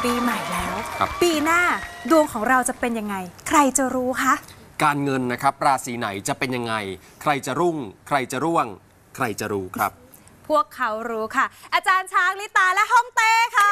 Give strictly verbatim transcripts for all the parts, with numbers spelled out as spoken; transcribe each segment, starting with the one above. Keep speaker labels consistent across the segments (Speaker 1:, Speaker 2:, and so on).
Speaker 1: ปีใหม่แล้วปีหน้าดวงของเราจะเป็นยังไงใครจะรู้คะ
Speaker 2: การเงินนะครับราศีไหนจะเป็นยังไงใครจะรุ่งใครจะร่วงใครจะรู้ครับ
Speaker 1: พวกเขารู้ค่ะอาจารย์ช้างลิตาและฮ่องเต้ค่ะ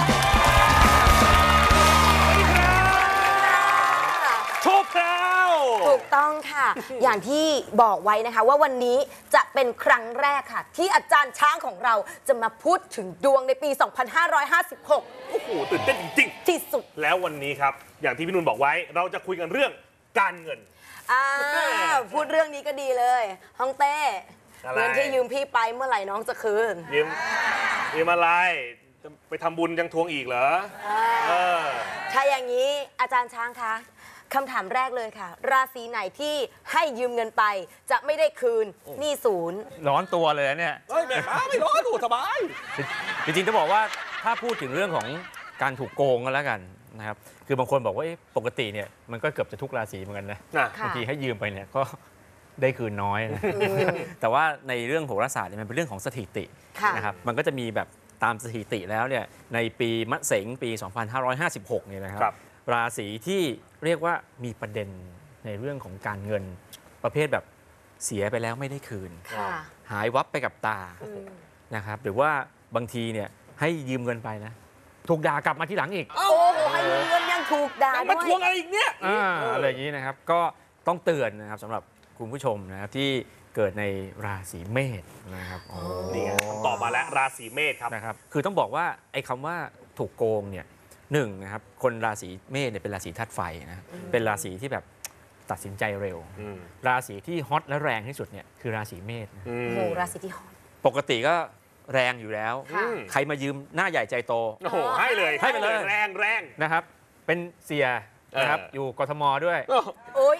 Speaker 3: ถูกแล้ว
Speaker 4: ถูกต้องค่ะ อย่างที่บอกไว้นะคะว่าวันนี้จะเป็นครั้งแรกค่ะที่อาจารย์ช้างของเราจะมาพูดถึงดวงในปี สองพันห้าร้อยห้าสิบหก
Speaker 3: โอ้โหตื่นเต้นจริง
Speaker 4: ๆที่สุด
Speaker 3: แล้ววันนี้ครับอย่างที่พี่นุ่นบอกไว้เราจะคุยกันเรื่องการเงิน
Speaker 4: อ่าพูดเรื่องนี้ก็ดีเลยฮ่องเต้เงินที่ยืมพี่ไปเมื่อไหร่น้องจะคืน
Speaker 3: ยืมยืมอะไรจะไปทำบุญยังทวงอีกเหรอ
Speaker 4: ถ้าอย่างนี้อาจารย์ช้างคะคำถามแรกเลยค่ะราศีไหนที่ให้ยืมเงินไปจะไม่ได้คืนหนี้ศูนย์
Speaker 5: ร้อนตัวเลยเนี่ย
Speaker 3: เฮ้ยแม่ค้าไม่ร้อนดูสบาย
Speaker 5: จริงๆจะบอกว่าถ้าพูดถึงเรื่องของการถูกโกงกันแล้วกันนะครับคือบางคนบอกว่าปกติเนี่ยมันก็เกือบจะทุกราศีเหมือนกันนะบางทีให้ยืมไปเนี่ยก็ได้คืนน้อยนะแต่ว่าในเรื่องโหราศาสตร์เนี่ยมันเป็นเรื่องของสถิตินะครับมันก็จะมีแบบตามสถิติแล้วเนี่ยในปีมะเสงปี สองพันห้าร้อยห้าสิบหก เนี่ยนะครับราศีที่เรียกว่ามีประเด็นในเรื่องของการเงินประเภทแบบเสียไปแล้วไม่ได้คืนหายวับไปกับตานะครับหรือว่าบางทีเนี่ยให้ยืมเงินไปนะถูกด่ากลับมาที่หลังอีก
Speaker 4: โอ้โหให้ยืมเงินยังถูกด่าด้วย
Speaker 3: มาทวงอะไรอีกเนี่ย
Speaker 5: อะไรอย่างนี้นะครับก็ต้องเตือนนะครับสำหรับคุณผู้ชมนะครับที่เกิดในราศีเมษนะครับ
Speaker 3: นี่ตอบมาแล้วราศีเมษครับ
Speaker 5: นะครับคือต้องบอกว่าไอ้คำว่าถูกโกงเนี่ยหนึ่งนะครับคนราศีเมษเนี่ยเป็นราศีธาตุไฟนะเป็นราศีที่แบบตัดสินใจเร็วราศีที่ฮอตและแรงที่สุดเนี่ยคือราศีเมษ
Speaker 4: โอ้โหราศีที่ฮอต
Speaker 5: ปกติก็แรงอยู่แล้วใครมายืมหน้าใหญ่ใจโต
Speaker 3: โอ้โหให้เลย
Speaker 5: ให้ไปเลย
Speaker 3: แรงแรง
Speaker 5: นะครับเป็นเสียนะครับอยู่กทมด้วย
Speaker 4: โอ้ย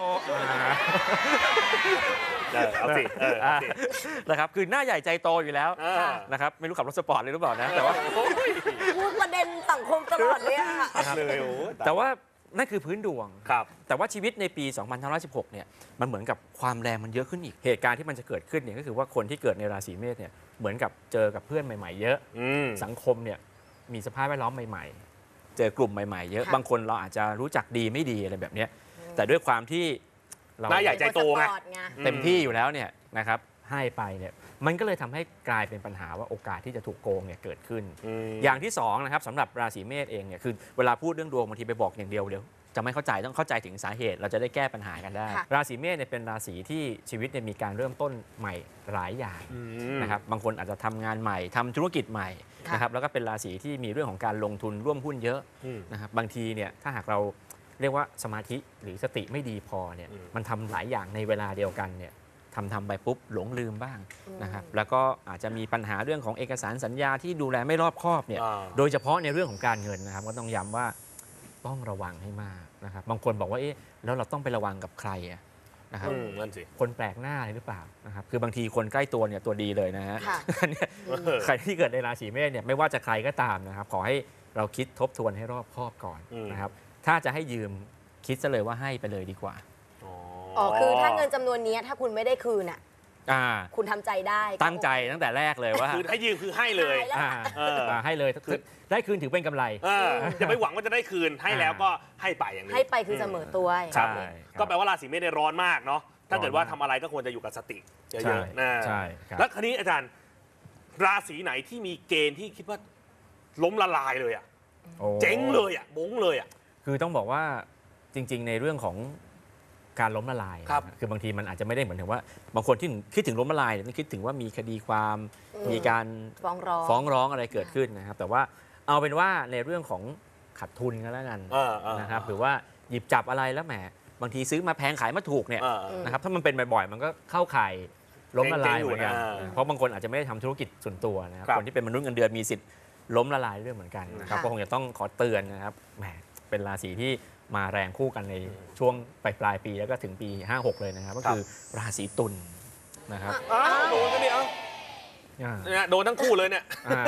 Speaker 3: เอาสิ
Speaker 5: นะครับคือหน้าใหญ่ใจโตอยู่แล้วนะครับไม่รู้ขับรถสปอร์ตเลยหรือเปล่านะแต่ว่า
Speaker 4: พูดประเด็นสังคมตลอดเลยอะ
Speaker 5: แต่ว่านั่นคือพื้นดวง
Speaker 3: ครับ
Speaker 5: แต่ว่าชีวิตในปี สองพันห้าร้อยสิบหก เนี่ยมันเหมือนกับความแรงมันเยอะขึ้นอีกเหตุการณ์ที่มันจะเกิดขึ้นเนี่ยก็คือว่าคนที่เกิดในราศีเมษเนี่ยเหมือนกับเจอกับเพื่อนใหม่ๆเยอะสังคมเนี่ยมีสภาพแวดล้อมใหม่ๆเจอกลุ่มใหม่ๆเยอะบางคนเราอาจจะรู้จักดีไม่ดีอะไรแบบนี้แต่ด้วยความที่
Speaker 3: เราหน้าใหญ่ใจโตไง
Speaker 5: เต็มที่อยู่แล้วเนี่ยนะครับให้ไปเนี่ยมันก็เลยทำให้กลายเป็นปัญหาว่าโอกาสที่จะถูกโกงเนี่ยเกิดขึ้นอย่างที่สองนะครับสำหรับราศีเมษเองเนี่ยคือเวลาพูดเรื่องดวงบางทีไปบอกอย่างเดียวเดียวจะไม่เข้าใจต้องเข้าใจถึงสาเหตุเราจะได้แก้ปัญหากันได้ราศีเมษเนี่ยเป็นราศีที่ชีวิตเนี่ยมีการเริ่มต้นใหม่หลายอย่างนะครับบางคนอาจจะทำงานใหม่ทำธุรกิจใหม่นะครับแล้วก็เป็นราศีที่มีเรื่องของการลงทุนร่วมหุ้นเยอะนะครับบางทีเนี่ยถ้าหากเราเรียกว่าสมาธิหรือสติไม่ดีพอเนี่ยมันทำหลายอย่างในเวลาเดียวกันเนี่ยทำทำไปปุ๊บหลงลืมบ้างนะครับแล้วก็อาจจะมีปัญหาเรื่องของเอกสารสัญญาที่ดูแลไม่รอบคอบเนี่ยโดยเฉพาะในเรื่องของการเงินนะครับก็ต้องย้ำว่าต้องระวังให้มากนะครับบางคนบอกว่าเอ๊ะแล้วเราต้องไประวังกับใครนะครับคนแปลกหน้าหรือเปล่านะครับคือบางทีคนใกล้ตัวเนี่ยตัวดีเลยนะฮะใครที่เกิดในราศีเมษเนี่ยไม่ว่าจะใครก็ตามนะครับขอให้เราคิดทบทวนให้รอบคอบก่อนนะครับถ้าจะให้ยืมคิดซะเลยว่าให้ไปเลยดีกว่า
Speaker 4: อ๋อคือถ้าเงินจำนวนนี้ถ้าคุณไม่ได้คืนอ่ะคุณทำใจได้
Speaker 5: ตั้งใจตั้งแต่แรกเลยว่า
Speaker 3: คือให้ยืมคือให้เลย
Speaker 5: ให้เลยได้คืนถือเป็นกำไร
Speaker 3: อย่าไปหวังว่าจะได้คืนให้แล้วก็ให้ไปอย่างนี้
Speaker 4: ให้ไปคือเสมอตัว
Speaker 5: ใช่
Speaker 3: ก็แปลว่าราศีเมษได้ร้อนมากเนาะถ้าเกิดว่าทำอะไรก็ควรจะอยู่กับสติเยอะๆนะ
Speaker 5: ใช่
Speaker 3: แล้วคราวนี้อาจารย์ราศีไหนที่มีเกณฑ์ที่คิดว่าล้มละลายเลยอ่ะเจ๊งเลยอ่ะบงเลยอ่ะ
Speaker 5: คือต้องบอกว่าจริงๆในเรื่องของการล้มละลายคือบางทีมันอาจจะไม่ได้เหมือนถึงว่าบางคนที่คิดถึงล้มละลายเนี่ยคิดถึงว่ามีคดีความมีการ
Speaker 4: ฟ้องร้อง
Speaker 5: ฟ้องร้องอะไรเกิดขึ้นนะครับแต่ว่าเอาเป็นว่าในเรื่องของขาดทุนกันแล้วกันนะครับหรือว่าหยิบจับอะไรแล้วแหมบางทีซื้อมาแพงขายมาถูกเนี่ยนะครับถ้ามันเป็นบ่อยๆมันก็เข้าข่ายล้มละลายเหมือนกันเพราะบางคนอาจจะไม่ได้ทำธุรกิจส่วนตัวนะครับคนที่เป็นมนุษย์เงินเดือนมีสิทธิ์ล้มละลายเรื่องเหมือนกันนะครับก็คงจะต้องขอเตือนนะครับแหมเป็นราศีที่มาแรงคู่กันในช่วงปลายปลายปีแล้วก็ถึงปีห้าหกเลยนะครับก็คือราศีตุลนะครับ
Speaker 3: โดนกันดิเอ้าโดนทั้งคู่เลยเนี่ย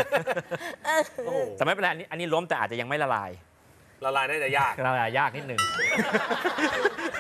Speaker 5: แต่ไม่เป็นไรอันนี้อันนี้ล้มแต่อาจจะยังไม่ละลาย
Speaker 3: ละลายน่าจะยาก
Speaker 5: ละลายยากนิดนึง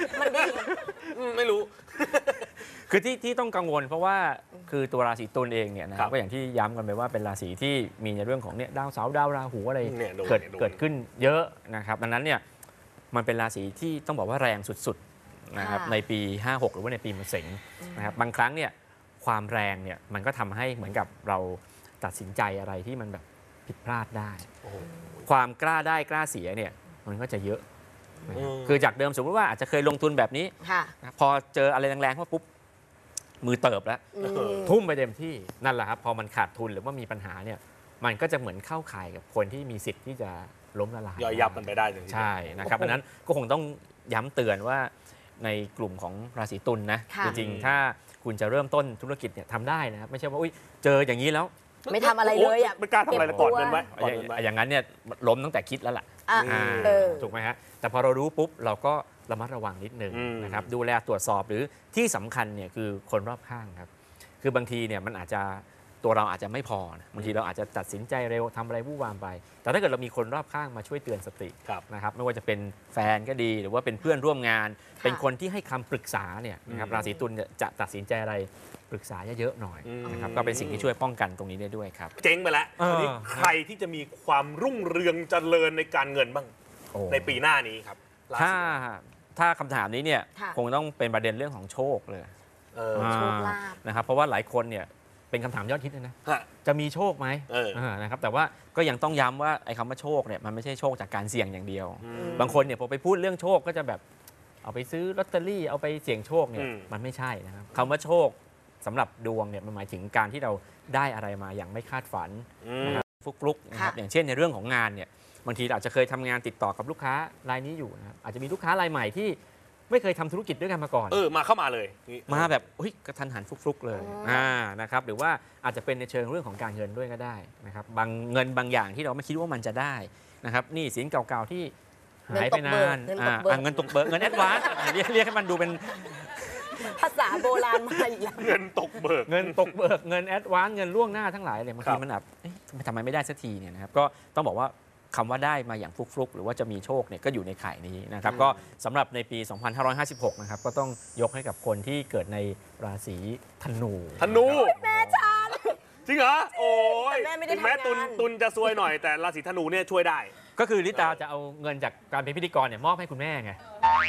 Speaker 4: มันดี
Speaker 3: อืมไม่รู้
Speaker 5: คือที่ที่ต้องกังวลเพราะว่าคือตัวราศีตุลเองเนี่ยนะค
Speaker 3: ครั
Speaker 5: รับบ ก็อย่างที่ย้ำกันไปว่าเป็นราศีที่มีในเรื่องของเนี่ยดาวเสาร์ดาวราหูอะไร
Speaker 3: เนี่ยโดน
Speaker 5: เกิด
Speaker 3: เนี่ยโดน
Speaker 5: เกิดขึ้นเยอะนะครับดังนั้นเนี่ยมันเป็นราศีที่ต้องบอกว่าแรงสุดๆนะครับ
Speaker 4: ค่ะ
Speaker 5: ในปี ห้าหก หรือว่าในปีมะเสงนะครับบางครั้งเนี่ยความแรงเนี่ยมันก็ทำให้เหมือนกับเราตัดสินใจอะไรที่มันแบบผิดพลาดได้
Speaker 3: โอ้โห
Speaker 5: ความกล้าได้กล้าเสียเนี่ยมันก็จะเยอะนะครับ
Speaker 3: อืม
Speaker 5: คือจากเดิมสมมติว่าอาจจะเคยลงทุนแบบนี้
Speaker 4: ค่ะ
Speaker 5: นะพอเจออะไรแรงๆเข้ามาปุ๊บมือเติบแล้ว
Speaker 4: อืม
Speaker 5: ทุ่มไปเต็มที่นั่นแหละครับพอมันขาดทุนหรือว่ามีปัญหาเนี่ยมันก็จะเหมือนเข้าข่ายกับคนที่มีสิทธิ์ที่จะล้มละลาย
Speaker 3: ย่อยยับมันไปได้จริงๆ
Speaker 5: ใช่นะครับเพราะฉะนั้นก็คงต้องย้ำเตือนว่าในกลุ่มของราศีตุลนะ
Speaker 4: ค่ะ
Speaker 5: จริงๆ ถ้าคุณจะเริ่มต้นธุรกิจเนี่ยทำได้นะครับไม่ใช่ว่าอุ้ยเจออย่างนี้แล้ว
Speaker 4: ไม่ทำอะไรเลยอ่ะ
Speaker 3: ไม่กล้าทำอะไรเลยก่อนเงินไว้ก่อน
Speaker 5: อย่า
Speaker 3: เงินไว้
Speaker 5: อย่างนั้นเนี่ยล้มตั้งแต่คิดแล้วล่ะ
Speaker 4: อ่ะ
Speaker 5: อ่า
Speaker 4: เออ
Speaker 5: ถูกไหมฮะแต่พอเรารู้ปุ๊บเราก็ระมัดระวังนิดนึง
Speaker 3: อืม
Speaker 5: นะครับดูแลตรวจสอบหรือที่สำคัญเนี่ยคือคนรอบข้างครับคือบางทีเนี่ยมันอาจจะตัวเราอาจจะไม่พอนะบางทีเราอาจจะตัดสินใจเร็วทำอะไรวู่วามไป แต่ถ้าเกิดเรามีคนรอบข้างมาช่วยเตือนสติ
Speaker 3: ครับ
Speaker 5: นะครับไม่ว่าจะเป็นแฟนก็ดีหรือว่าเป็นเพื่อนร่วมงาน เป็นคนที่ให้คำปรึกษาเนี่ยนะครับ
Speaker 3: อืม
Speaker 5: ราศีตุลเนี่ยจะตัดสินใจอะไรปรึกษาเยอะๆหน่อย
Speaker 3: อืม
Speaker 5: นะครับก็เป็นสิ่งที่ช่วยป้องกันตรงนี้ได้ด้วยครับ
Speaker 3: เจ๊งไปแล้ว
Speaker 5: เออ
Speaker 3: คราวนี้ใครที่จะมีความรุ่งเรืองเจริญในการเงินบ้าง
Speaker 5: โอ้
Speaker 3: ในปีหน้านี้ครับราศี
Speaker 5: ถ้าถ้าคำถามนี้เนี่ย
Speaker 4: ค่ะ
Speaker 5: คงต้องเป็นประเด็นเรื่องของโชคเลย
Speaker 3: เออ
Speaker 5: อ่า
Speaker 4: โชคลาภ
Speaker 5: นะครับเพราะว่าหลายคนเนี่ยเป็นคำถามยอดฮิตเลยนะ
Speaker 3: ฮะ
Speaker 5: จะมีโชคไหม
Speaker 3: เออ
Speaker 5: านะครับแต่ว่าก็ยังต้องย้ำว่าไอ้คำว่าโชคเนี่ยมันไม่ใช่โชคจากการเสี่ยงอย่างเดียว
Speaker 3: อืม
Speaker 5: บางคนเนี่ยพอไปพูดเรื่องโชคก็จะแบบเอาไปซื้อลอตเตอรี่เอาไปเสี่ยงโชคเนี่ย
Speaker 3: อืม
Speaker 5: มันไม่ใช่นะครับคำว่าโชคสำหรับดวงเนี่ยมันหมายถึงการที่เราได้อะไรมาอย่างไม่คาดฝัน
Speaker 3: อืม
Speaker 5: นะครับฟลุกๆนะครับ
Speaker 4: ค่ะ
Speaker 5: อย่างเช่นในเรื่องของงานเนี่ยบางทีเราอาจจะเคยทำงานติดต่อกับลูกค้ารายนี้อยู่นะครับอาจจะมีลูกค้ารายใหม่ที่ไม่เคยทำธุรกิจด้วยกันมาก่อน
Speaker 3: เออมาเข้ามาเลยนี่
Speaker 5: มาแบบเฮ้ยกระทันหันฟลุกๆเลย
Speaker 4: อ๋ออ่
Speaker 5: อ่านะครับหรือว่าอาจจะเป็นในเชิงเรื่องของการเงินด้วยก็ได้นะครับบางเงินบางอย่างที่เราไม่คิดว่ามันจะได้นะครับหนี่สินเก่าๆที่หายไปนาน
Speaker 4: เงินต
Speaker 5: อ่าก
Speaker 4: เบิก
Speaker 5: อ่าเงินตกเบิกเงินแอดวานซ์เรียกเรียกให้มันดูเป็น
Speaker 4: ภาษาโบราณมาอีกแล้ว
Speaker 3: เงินตกเบิก
Speaker 5: เงินตกเบิกเงินแอดวานซ์เงินล่วงหน้าทั้งหลายเลยบาง
Speaker 3: ครั
Speaker 5: ที
Speaker 3: บ
Speaker 5: มันแบบเอ๊ะทำไมไม่ได้สักทีเนี่ยนะครับก็ต้องบอกว่าคำว่าได้มาอย่างฟลุกๆหรือว่าจะมีโชคเนี่ยก็อยู่ในข่ายนี้นะครับก็สำหรับในปี สองพันห้าร้อยห้าสิบหก นะครับก็ต้องยกให้กับคนที่เกิดในราศีธนู
Speaker 3: ธนู
Speaker 4: แม่ชาน
Speaker 3: จริงเหรอโอ้ย
Speaker 4: แต่แม่ไม่ได้
Speaker 3: ถึงแม้
Speaker 4: ทำงาน
Speaker 3: ตุนตุนจะซวยหน่อยแต่ราศีธนูเนี่ยช่วยได้
Speaker 5: ก็คือลิตาจะเอาเงินจากการเป็นพิธีกรเนี่ยมอบให้คุณแม่ไง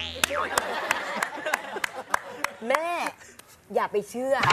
Speaker 4: แม่อย่าไปเชื่อ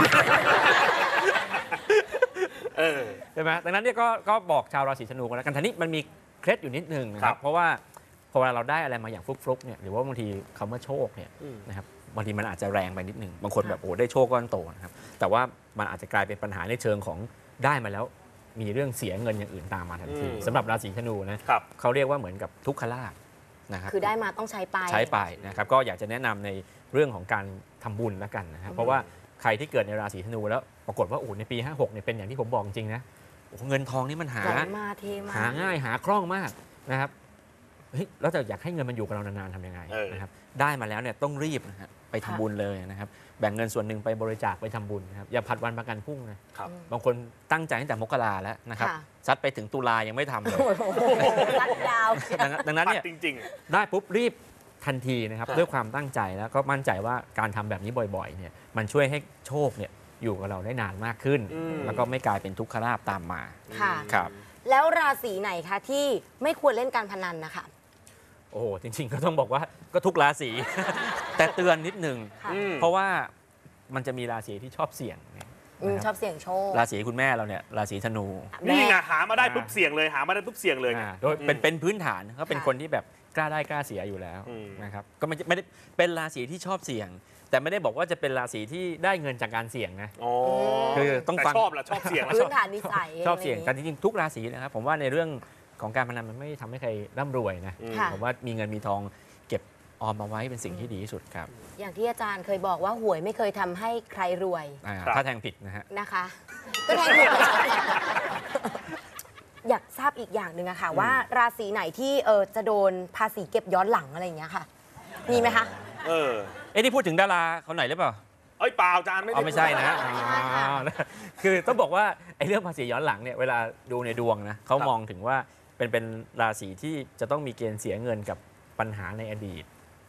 Speaker 3: เออ
Speaker 5: ใช่ไหมดังนั้นเนี่ยก็ก็บอกชาวราศีธนูกันแล้วกันทีนี้มันมีเคล็ดอยู่นิดนึงนะค
Speaker 3: ครั
Speaker 5: รับบ เพราะว่าพอเวลาเราได้อะไรมาอย่างฟลุกๆเนี่ยหรือว่าบางทีคำว่าโชคเนี่ย
Speaker 3: อืม
Speaker 5: นะครับบางทีมันอาจจะแรงไปนิดนึงบางคนแบบโอ้ได้โชคก้อนโตนะครับแต่ว่ามันอาจจะกลายเป็นปัญหาในเชิงของได้มาแล้วมีเรื่องเสียเงินอย่างอื่นตามมาทันที
Speaker 3: อืม
Speaker 5: สำหรับราศีธนูนะครับ เขาเรียกว่าเหมือนกับทุกขลาภนะครับ
Speaker 4: คือได้มาต้องใช้ไป
Speaker 5: ใช้ไปนะครับก็อยากจะแนะนำในเรื่องของการทำบุญแล้วกันนะครับเพราะว่าใครที่เกิดในราศีธนูแล้วปรากฏว่าโอ้ในปี ห้าหกเนี่ยเป็นอย่างที่ผมบอกจริงนะโอ้เงินทองนี่มันหา
Speaker 4: ไหลมาเทมา
Speaker 5: หาง่ายหาคล่องมากนะครับเฮ้ยแล้วจะอยากให้เงินมันอยู่กับเรานานๆทำยังไง
Speaker 3: เออ
Speaker 5: นะครับได้มาแล้วเนี่ยต้องรีบนะฮะไปทำบุญเลยนะครับแบ่งเงินส่วนหนึ่งไปบริจาคไปทำบุญนะครับอย่าผัดวันประกันพรุ่งนะครับ บางคนตั้งใจตั้งแต่มกราแล้วนะครับ
Speaker 4: ค่ะ
Speaker 5: ซัดไปถึงตุลายังไม่ทำเลย
Speaker 4: รัดดาว
Speaker 5: ดังนั้นดังนั้นเนี่ย
Speaker 3: จริง
Speaker 5: ได้ปุ๊บรีบทันทีนะครับ
Speaker 3: ครับ
Speaker 5: ด้วยความตั้งใจแล้วก็มั่นใจว่าการทำแบบนี้บ่อยๆเนี่ยมันช่วยให้โชคเนี่ยอยู่กับเราได้นานมากขึ้น
Speaker 3: อืม
Speaker 5: แล้วก็ไม่กลายเป็นทุกขลาภตามมา
Speaker 4: ค่ะ
Speaker 5: ครับ
Speaker 4: แล้วราศีไหนคะที่ไม่ควรเล่นการพนันนะคะ
Speaker 5: โอ้โหจริงๆ ก็ต้องบอกว่าก็ทุกราศี แต่เตือนนิดหนึ่ง
Speaker 4: ค่ะ
Speaker 3: อืม
Speaker 5: เพราะว่ามันจะมีราศีที่ชอบเสี่ยงนะ
Speaker 4: อืม
Speaker 5: ครับ
Speaker 4: ชอบเสี่ยงโชค
Speaker 5: ราศีคุณแม่เราเนี่ยราศีธนู
Speaker 3: ๆ นี่ไงหามาได้ปุ๊บเสี่ยงเลยหามาได้ปุ๊บเสี่ยงเลยไง
Speaker 5: อ่าโดยเป็น
Speaker 3: อืม
Speaker 5: เป็นพื้นฐานเขาเป็น
Speaker 4: ค่ะ
Speaker 5: คนที่แบบกล้าได้กล้าเสียอยู่แล้ว
Speaker 3: อืม
Speaker 5: นะครับก็ไม่ไม่ได้เป็นราศีที่ชอบเสี่ยง แต่ไม่ได้บอกว่าจะเป็นราศีที่ได้เงินจากการเสี่ยงนะ
Speaker 3: อ๋อ
Speaker 5: คือต้อง
Speaker 3: แต่
Speaker 5: ฟัง
Speaker 3: ชอบแหละชอบเสี่ยงแล้ว
Speaker 4: พื้นฐานนิสัย
Speaker 5: ชอบเสี่ยง
Speaker 4: ะไร
Speaker 5: แต่จริงๆทุกราศีนะครับผมว่าในเรื่องของการพนันมันไม่ทำให้ใครร่ำรวยนะ
Speaker 3: อืม
Speaker 4: ค่ะ
Speaker 5: ผมว่ามีเงินมีทองเก็บออมมาไว้เป็นสิ่งที่ดีที่สุดครับ
Speaker 4: อย่างที่อาจารย์เคยบอกว่าหวยไม่เคยทำให้ใครรวย
Speaker 5: อ่า
Speaker 3: ครับ
Speaker 5: ถ้าแทงผิดนะฮะ
Speaker 4: นะคะ ก็แทนถูกไม่ใช่ อยากทราบอีกอย่างหนึ่งอะค่ะ ว่าราศีไหนที่เออจะโดนภาษีเก็บย้อนหลังอะไรอย่างเงี้ยค่ะ มีไหมคะ
Speaker 3: เออ
Speaker 5: เอ้นี่พูดถึงดาราเขาไหนหรือเปล่า
Speaker 3: เอ้ยเปล่าจานไม่
Speaker 5: อ๋อ
Speaker 3: ได้
Speaker 5: ไม่ใช่นะ
Speaker 4: ไม่ใช่ค่ะ
Speaker 5: อ๋อคือต้องบอกว่าไอ้เรื่องภาษีย้อนหลังเนี่ยเวลาดูในดวงนะเขามองถึงว่าเป็นเป็นราศีที่จะต้องมีเกณฑ์เสียเงินกับปัญหาในอดีต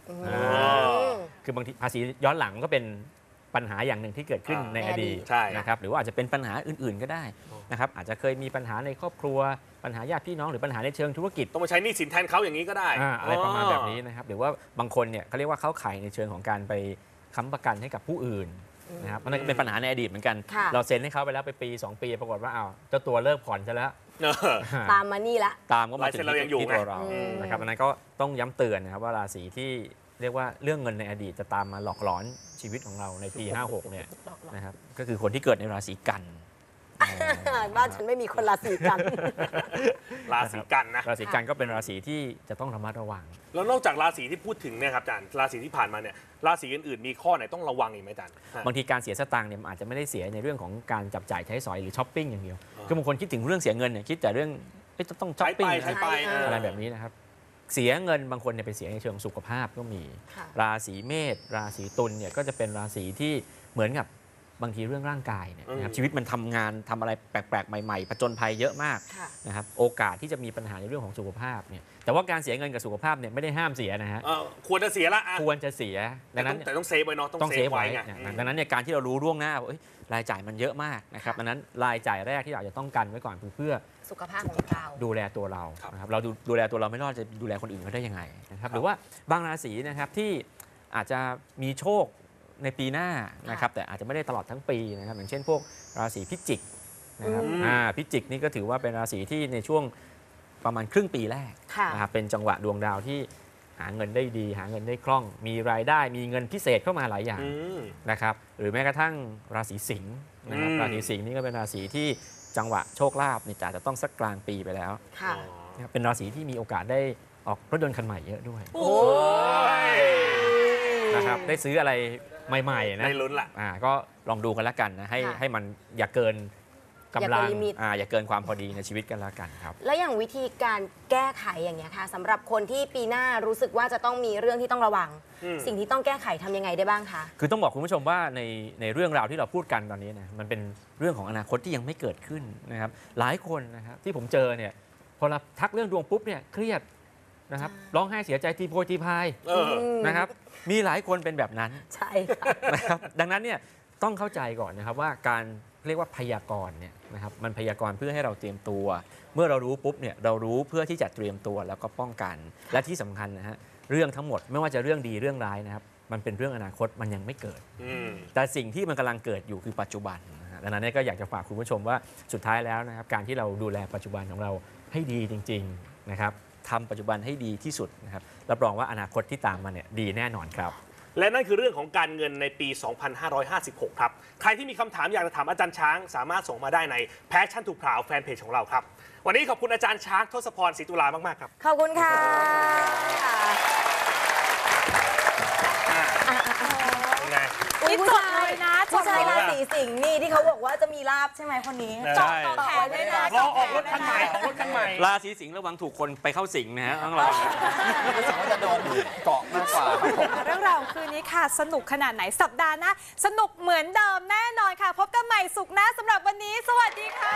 Speaker 5: อ่าคือบางทีภาษีย้อนหลังก็เป็นปัญหาอย่างหนึ่งที่เกิดขึ้น
Speaker 3: อ่า
Speaker 5: ในอดีต
Speaker 3: ใช่
Speaker 5: นะครับหรือว่าอาจจะเป็นปัญหาอื่นๆก็ได้นะครับอาจจะเคยมีปัญหาในครอบครัวปัญหาญาติพี่น้องหรือปัญหาในเชิงธุรกิจ
Speaker 3: ต้องมาใช้หนี้สินแทนเขาอย่างนี้ก็ได้
Speaker 5: อ่าอะไรประมาณแบบนี้นะครับหรือว่าบางคนเนี่ยเขาเรียกว่าเข้าข่ายในเชิงของการไปค้ำประกันให้กับผู้อื่นนะครับนั่นก็เป็นปัญหาในอดีตเหมือนกัน
Speaker 4: ค่ะ
Speaker 5: เราเซ็นให้เขาไปแล้วไปปีสองปีปรากฏว่าอ้าวเจ้าตัวเลิกผ่อนซะแล้ว
Speaker 3: เออ
Speaker 4: ตามมานี่ละ
Speaker 5: ตามก็มาถึง
Speaker 3: ลายเซ็นเรายังอยู่
Speaker 5: ที่ตัวเรา
Speaker 4: ไง
Speaker 5: นะครับอันนั้นก็ต้องย้ำเตือนนะครับว่าราศีที่เรียกว่าเรื่องเงินในอดีตจะตามมาหลอกหลอนชีวิตของเราในปี ห้าหกเนี่ยนะครับก็คือคนที่เกิดในราศีกัน
Speaker 4: บ้านฉันไม่มีคนราศีกัน
Speaker 3: ราศีกันนะ
Speaker 5: ราศีกันก็เป็นราศีที่จะต้องระมัดระวัง
Speaker 3: แล้วนอกจากราศีที่พูดถึงเนี่ยครับอาจารย์ราศีที่ผ่านมาเนี่ยราศีอื่นๆมีข้อไหนต้องระวังอีกไหมอาจารย์
Speaker 5: บางทีการเสียสตางค์เนี่ยมันอาจจะไม่ได้เสียในเรื่องของการจับจ่ายใช้สอยหรือช้อปปิ้งอย่างเดียว
Speaker 3: อ่า
Speaker 5: คือบางคนคิดถึงเรื่องเสียเงินเนี่ยคิดแต่เรื่องเอ๊ะต้องช้อ
Speaker 3: ใช้
Speaker 5: ปปิ้
Speaker 3: ไป
Speaker 5: ง
Speaker 3: ใช้ไป
Speaker 4: ใช่
Speaker 5: อะไรแบบนี้นะครับเสียเงินบางคนเนี่ยไปเสียในเชิงสุขภาพก็มี
Speaker 4: ค่ะ
Speaker 5: ราศีเมษราศีตุลเนี่ยก็จะเป็นราศีที่เหมือนกับบางทีเรื่องร่างกายเนี่ยนะครับ
Speaker 3: อืม
Speaker 5: ชีวิตมันทำงานทำอะไรแปลกๆ ใหม่ๆผจญภัยเยอะมาก
Speaker 4: ค่ะ
Speaker 5: นะครับโอกาสที่จะมีปัญหาในเรื่องของสุขภาพเนี่ยแต่ว่าการเสียเงินกับสุขภาพเนี่ยไม่ได้ห้ามเสียนะฮะ
Speaker 3: เออควรจะเสียละอ่ะ
Speaker 5: ควรจะเสียดั
Speaker 3: แต่
Speaker 5: ง
Speaker 3: ต้
Speaker 5: นั้
Speaker 3: อง
Speaker 5: น
Speaker 3: แต่ต้องเซฟไว้เนาะ
Speaker 5: ต้
Speaker 3: ต้
Speaker 5: อ
Speaker 3: อง ง
Speaker 5: เซ
Speaker 3: เซ
Speaker 5: ฟ
Speaker 3: ฟ
Speaker 5: ไว้
Speaker 3: ไว้ไง
Speaker 5: เนี่ยดังนั้นเนี่ยการที่เรารู้ล่วงหน้าว่าเอ้ยรายจ่ายมันเยอะมากนะครับดังนั้นรายจ่ายแรกที่เราจะต้องกันไว้ก่อนคือเพื่อ
Speaker 4: สุขภาพของเรา
Speaker 5: ดูแลตัวเรา
Speaker 3: ครับ
Speaker 5: นะครับเราดูดูแลตัวเราไม่รอดจะดูแลคนอื่นเขาได้ยังไงนะครับหรือว่าบางราศีนะครับที่อาจจะมีโชคในปีหน้านะครับแต่อาจจะไม่ได้ตลอดทั้งปีนะครับอย่างเช่นพวกราศีพิจิกนะครับ
Speaker 3: อืม
Speaker 5: อ่าพิจิกนี่ก็ถือว่าเป็นราศีที่ในช่วงประมาณครึ่งปีแรก
Speaker 4: ค่ะ
Speaker 5: นะครับเป็นจังหวะดวงดาวที่หาเงินได้ดี หาเงินได้คล่อง มีรายได้มีเงินพิเศษเข้ามาหลายอย่าง
Speaker 3: อืม
Speaker 5: นะครับหรือแม้กระทั่งราศีสิงห์นะครับ
Speaker 3: อืม
Speaker 5: ราศีสิงห์นี่ก็เป็นราศีที่จังหวะโชคลาภเนี่ยอาจจะต้องสักกลางปีไปแล้ว
Speaker 4: ค่ะ
Speaker 5: นะครับเป็นราศีที่มีโอกาสได้ออกรถยนต์คันใหม่เยอะด้วย
Speaker 3: โอ้ย
Speaker 5: นะครับได้ซื้ออะไรใหม่ๆนะ
Speaker 3: ได้ลุ้นละ
Speaker 5: อ่าก็ลองดูกันแล้วกันนะให้
Speaker 4: ค่ะ
Speaker 5: ให้มันอย่าเกินกำลัง
Speaker 4: อย่าเกินลิมิต
Speaker 5: อ่าอย่าเกินความพอดีในชีวิตกันแล้วกันครับ
Speaker 4: แล้วอย่างวิธีการแก้ไขอย่างเงี้ยค่ะสำหรับคนที่ปีหน้ารู้สึกว่าจะต้องมีเรื่องที่ต้องระวัง
Speaker 3: อืม
Speaker 4: สิ่งที่ต้องแก้ไขทำยังไงได้บ้างคะ
Speaker 5: คือต้องบอกคุณผู้ชมว่าในในเรื่องราวที่เราพูดกันตอนนี้นะมันเป็นเรื่องของอนาคตที่ยังไม่เกิดขึ้นนะครับหลายคนนะครับที่ผมเจอเนี่ยพอเราทักเรื่องดวงปุ๊บเนี่ยเครียดนะครับร้องไห้เสียใจทีโพยทีพาย
Speaker 3: เออ
Speaker 5: นะครับมีหลายคนเป็นแบบนั้น
Speaker 4: ใช่ค่ะ
Speaker 5: นะครับดังนั้นเนี่ยต้องเข้าใจก่อนนะครับว่าการเรียกว่าพยากรณ์เนี่ยนะครับมันพยากรณ์เพื่อให้เราเตรียมตัว เมื่อเรารู้ปุ๊บเนี่ยเรารู้เพื่อที่จะเตรียมตัวแล้วก็ป้องกัน และที่สำคัญนะฮะเรื่องทั้งหมดไม่ว่าจะเรื่องดีเรื่องร้ายนะครับมันเป็นเรื่องอนาคตมันยังไม่เกิด
Speaker 3: อืม
Speaker 5: แต่สิ่งที่มันกำลังเกิดอยู่คือปัจจุบันนะฮะดังนั้นเนี่ยก็อยากจะฝากคุณผู้ชมว่าสุดท้ายแล้วนะครับการที่เราดูแลปัจจุบันของเราให้ดีจริงๆนะครับทำปัจจุบันให้ดีที่สุดนะครับรับรองว่าอนาคตที่ตามมาเนี่ยดีแน่นอนครับ
Speaker 3: และนั่นคือเรื่องของการเงินในปี สองพันห้าร้อยห้าสิบหก ครับ ใครที่มีคำถามอยากจะถามอาจารย์ช้าง สามารถส่งมาได้ใน Passion to Proud แฟนเพจของเราครับ วันนี้ขอบคุณอาจารย์ช้างทศพรศรีตุลามาก ๆ ครับ
Speaker 4: ขอบคุณค่ะ
Speaker 3: ยังไง
Speaker 4: อุ๊ย
Speaker 1: นี่
Speaker 4: ผู้
Speaker 1: จด
Speaker 4: ชา
Speaker 1: เลย ยนะจ
Speaker 4: ผู้
Speaker 1: ด
Speaker 4: ชาย
Speaker 1: เลย
Speaker 4: ราศีสิงห์นี่ที่เขาบอกว่าจะมีลาบใช่ไหมคนนี้
Speaker 5: ใช่
Speaker 1: ต่อแขนเลยนะ
Speaker 3: รอออกรถคันใหม่ออกรถคันใหม่
Speaker 5: ราศีสิงห์ระวังถูกคนไปเข้าสิงนะฮะต้องระวัง
Speaker 2: รู้สึกว่าจะโดนเกาะมากกว่าครับผม
Speaker 1: เรื่องราวของคืนนี้ค่ะ สนุกขนาดไหนสัปดาห์หน้าสนุกเหมือนเดิมแน่นอนค่ะ พบกันใหม่สุขหน้าสำหรับวันนี้ สวัสดีค่ะ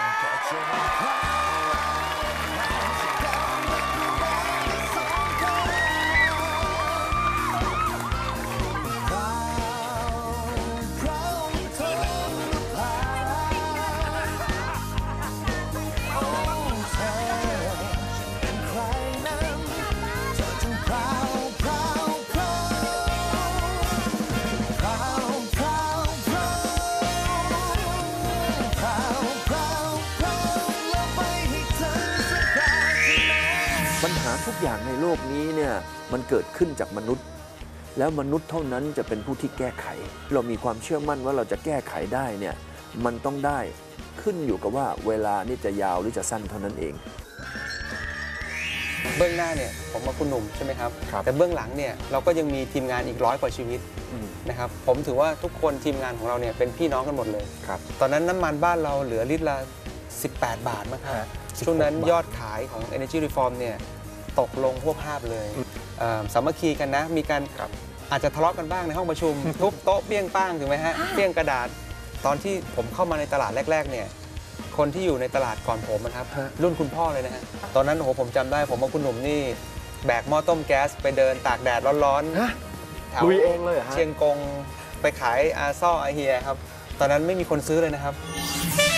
Speaker 6: ปัญหาทุกอย่างในโลกนี้เนี่ยมันเกิดขึ้นจากมนุษย์ แล้วมนุษย์เท่านั้นจะเป็นผู้ที่แก้ไข เรามีความเชื่อมั่นว่าเราจะแก้ไขได้เนี่ยมันต้องได้ขึ้นอยู่กับว่าเวลานี่จะยาวหรือจะสั้นเท่านั้นเอง
Speaker 7: เบื้องหน้าเนี่ยผมกับคุณหนุ่มใช่ไหมครับ
Speaker 6: ครับ
Speaker 7: แต่เบื้องหลังเนี่ยเราก็ยังมีทีมงานอีกร้อยกว่าชีวิต
Speaker 6: อืม
Speaker 7: นะครับผมถือว่าทุกคนทีมงานของเราเนี่ยเป็นพี่น้องกันหมดเลย
Speaker 6: ครับ
Speaker 7: ตอนนั้นน้ำมันบ้านเราเหลือลิตรละสิบแปดบาทมั้งครับ
Speaker 6: ฮะ
Speaker 7: ช่วงนั้น
Speaker 6: สิบหกบาท
Speaker 7: ยอดขายของ Energy Reform เนี่ยตกลงพวกภาพเลยเอ่อสามัคคีกันนะมีการอาจจะทะเลาะกันบ้างในห้องประชุม ทุบโต๊ะเปี้ยงป้างถูกไหมฮะเปี้ยงกระดาษตอนที่ผมเข้ามาในตลาดแรกๆเนี่ยคนที่อยู่ในตลาดก่อนผมนะครับรุ่นคุณพ่อเลยนะฮะตอนนั้นโอ้โหผมจำได้ผมกับคุณหนุ่มนี่แบกหม้อต้มแก๊สไปเดินตากแดดร้อนๆแถว
Speaker 6: ลุยเองเลยเหรอฮะ
Speaker 7: เชียงกงไปขายอาซ่ออาเฮียครับ ตอนนั้นไม่มีคนซื้อเลยนะครับ
Speaker 1: เ